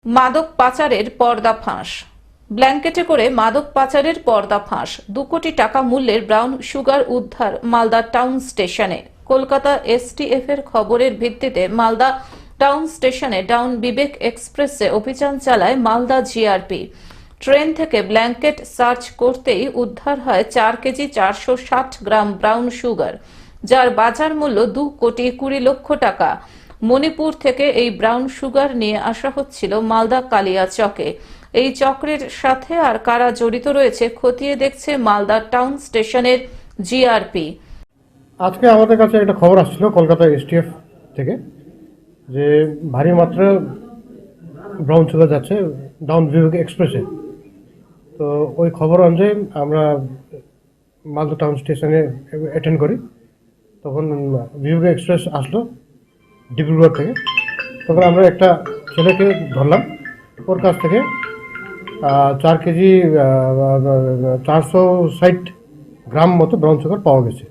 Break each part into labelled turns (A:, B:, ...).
A: মাদক পাচারের পর্দাফাঁস। ব্ল্যাঙ্কেটে করে মাদক পাচারের পর্দাফাঁস। 2 কোটি টাকা মূল্যের ব্রাউন সুগার উদ্ধার মালদা টাউন স্টেশনে। কলকাতা এসটিএফ এর খবরের ভিত্তিতে মালদা টাউন স্টেশনে ডাউন বিবেক এক্সপ্রেসে অভিযান চালায় মালদা জিআরপি। ট্রেন থেকে ব্ল্যাঙ্কেট সার্চ করতেই উদ্ধার হয় 4 কেজি 460 গ্রাম ব্রাউন সুগার, যার বাজার মূল্য 2 কোটি 20 লক্ষ টাকা। মণিপুর থেকে এই ব্রাউন সুগার নিয়ে আসা হচ্ছিল মালদা কালিয়াচকে। এই চক্রের সাথে আর কারা জড়িত রয়েছে খতিয়ে দেখছে মালদা টাউন স্টেশনের জিআরপি।
B: আজকে আমাদের কাছে একটা খবর আসছিল কলকাতা এসটিএফ থেকে যে ভারী মাত্রা ব্রাউন সুগার যাচ্ছে ডাউন বিবেক এক্সপ্রেসে। তো ওই খবর অনুযায়ী আমরা মালদা টাউন স্টেশনে অ্যাটেন্ড করি। তখন বিবেক এক্সপ্রেস আসলো ডিব্রুগড় থেকে। তখন আমরা একটা ছেলেকে ধরলাম, ওর কাছ থেকে 4 কেজি 460 গ্রাম মতো ব্রাউন সুগার পাওয়া গেছে।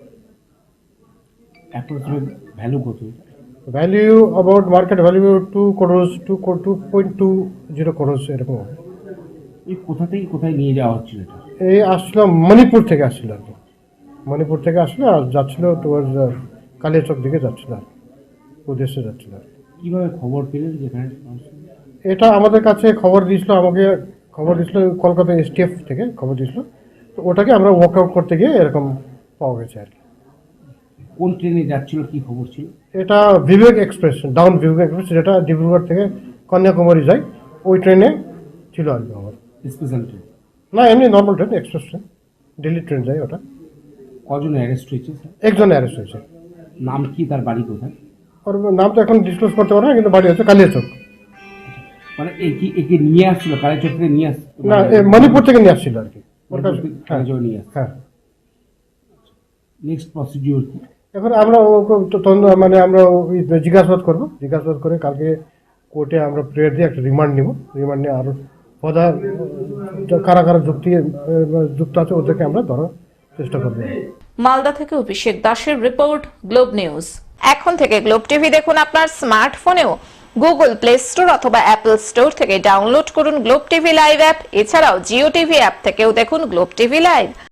C: ভ্যালু কত?
B: Value about market value 2 crores 2.20 crores এরকম হবে।
C: এই কোথা থেকে কোথায় নিয়ে যাওয়া হচ্ছিল এটা?
B: এই আসছিল মণিপুর থেকে আসছিল আর কি। মণিপুর থেকে আসলো আর যাচ্ছিল টুয়ার্ডস কালিয়াচক দিকে যাচ্ছিল আর উদ্দেশ্যে যাচ্ছিল আর
C: কিভাবে খবর পেলেন যেখানে?
B: এটা আমাদের কাছে খবর দিয়েছিল, আমাকে খবর দিয়েছিল কলকাতা এসটিএফ থেকে খবর দিয়েছিল। তো ওটাকে আমরা ওয়ার্কআউট করতে গিয়ে এরকম পাওয়া গেছে আর কি।
C: কোন ট্রেনে যাচ্ছিল, কি খবর ছিল?
B: এটা Vivek express, down Vivek express, যেটা ডিব্রুগড় থেকে কন্যাকুমারী যায়, ওই ট্রেনে ছিল আর কি আমার।
C: স্পেশাল ট্রেন
B: না, এমনি normal train, express train, Delhi train যায় ওটা।
C: কজন অ্যারেস্ট হয়েছে স্যার?
B: একজন অ্যারেস্ট হয়েছে।
C: নাম কি, তার বাড়ি কোথায়?
B: ওর নাম তো এখন ডিসক্লোজ করতে পারবো না, কিন্তু বাড়ি হচ্ছে কালিয়াচক।
C: মানে একে নিয়ে আসছিল কালেচক থেকে নিয়ে আসছিল?
B: না, মণিপুর থেকে নিয়ে আসছিল আর কি। ওর কাছে
C: কালেচক নিয়ে আসছিল।
B: হ্যাঁ।
C: নেক্সট প্রসিডিওর কি?
B: এখন আমরা মানে আমরা জিজ্ঞাসাবাদ করবো, জিজ্ঞাসাবাদ করে কালকে কোর্টে আমরা প্রেয়ার দিয়ে একটা রিমান্ড নিব। রিমান্ড নিয়ে আরো ফর্দার কারা কারা যুক্ত আছে ওদেরকে আমরা ধরার চেষ্টা করবো।
A: মালদা থেকে অভিষেক দাসের রিপোর্ট, গ্লোব নিউজ। এখন থেকে গ্লোব টিভি দেখুন আপনার স্মার্টফোনেও। গুগল প্লে স্টোর অথবা অ্যাপল স্টোর থেকে ডাউনলোড করুন গ্লোব টিভি লাইভ অ্যাপ। এছাড়াও জিও টিভি অ্যাপ থেকেও দেখুন গ্লোব টিভি লাইভ।